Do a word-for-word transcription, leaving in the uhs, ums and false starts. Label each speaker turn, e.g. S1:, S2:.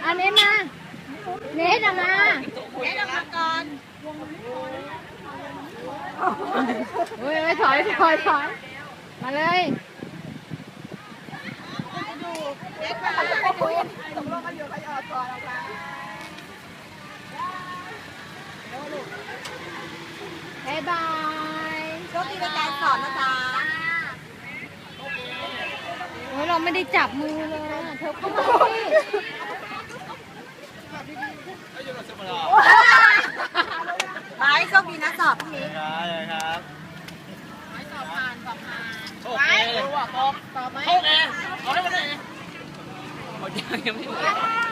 S1: เอาเน็ตมาเน็ตเอามาเน็ตเอามาก่อนเฮ้ยถอยถอยถอยมาเลยเน็ตมาตกลงกันอยู่ใครออกก่อนออกมาบ๊ายบายโชคดีในการสอนนะจ๊ะโอ้ยเราไม่ได้จับมือเลยเธอเข้ามาสิไปโชคดีนะสอบพรุ่งนี้
S2: ครับ
S1: ไปสอบผ่านสอบผ่าน
S2: ไปสอบสอบไหมโชคเองเอาได้ไหมเนี่ยหมดยังยังไม่หมด